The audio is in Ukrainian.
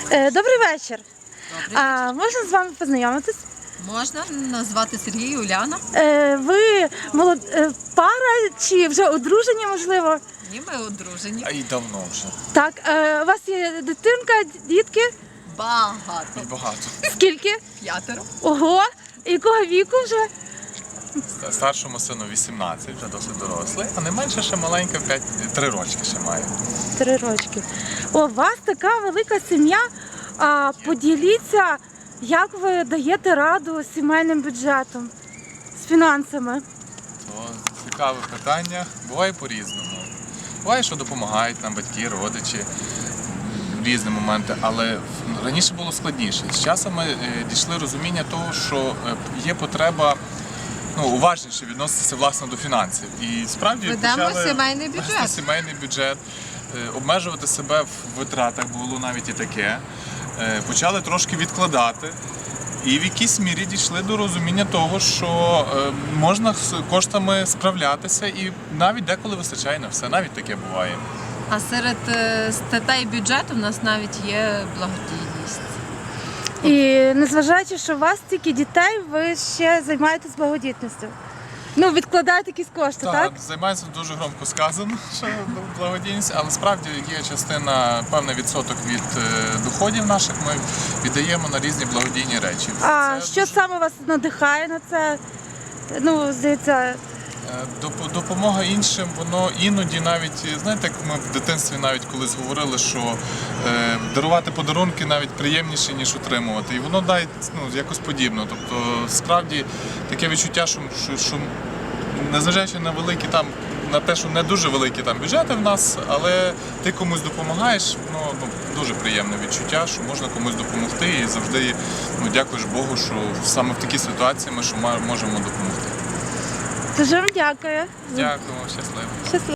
Добрий вечір. Добрий вечір. Можна з вами познайомитись? Можна назвати Сергій, Уляна. Ви пара чи вже одружені, можливо? Ні, ми одружені. А й давно вже. Так, у вас є дитинка, дітки? Багато. І багато. Скільки? 5. Ого! Якого віку вже? Старшому сину 18, вже досить дорослий, а не менше ще маленька, 3 рочки ще має. 3 рочки. У вас така велика сім'я. Поділіться, як ви даєте раду з сімейним бюджетом, з фінансами? То цікаве питання. Буває по-різному. Буває, що допомагають нам батьки, родичі в різні моменти, але раніше було складніше. З часом ми дійшли розуміння того, що є потреба уважніше відноситися власне до фінансів. І справді Ведемо почали сімейний вести бюджет. сімейний бюджет, обмежувати себе в витратах, було навіть і таке. Почали трошки відкладати. І в якійсь мірі дійшли до розуміння того, що можна з коштами справлятися і навіть деколи вистачає на все, навіть таке буває. А серед статей бюджету в нас навіть є благодійність. І незважаючи, що у вас стільки дітей, ви ще займаєтесь благодійністю. Відкладаєте якісь кошти, так? Займається дуже громко сказано, що благодійність, але справді є частина, певний відсоток від доходів наших ми віддаємо на різні благодійні речі. Що саме вас надихає на це? Здається... Допомога іншим, воно іноді навіть, знаєте, як ми в дитинстві навіть колись говорили, що дарувати подарунки навіть приємніше, ніж отримувати. І воно дає якось подібно. Тобто, справді, таке відчуття, що незважаючи на великі на те, що не дуже великі бюджети в нас, але ти комусь допомагаєш, дуже приємне відчуття, що можна комусь допомогти і завжди дякуєш Богу, що саме в такій ситуації ми можемо допомогти. Дуже вам дякую. Дякую, щасливо. Щасливо.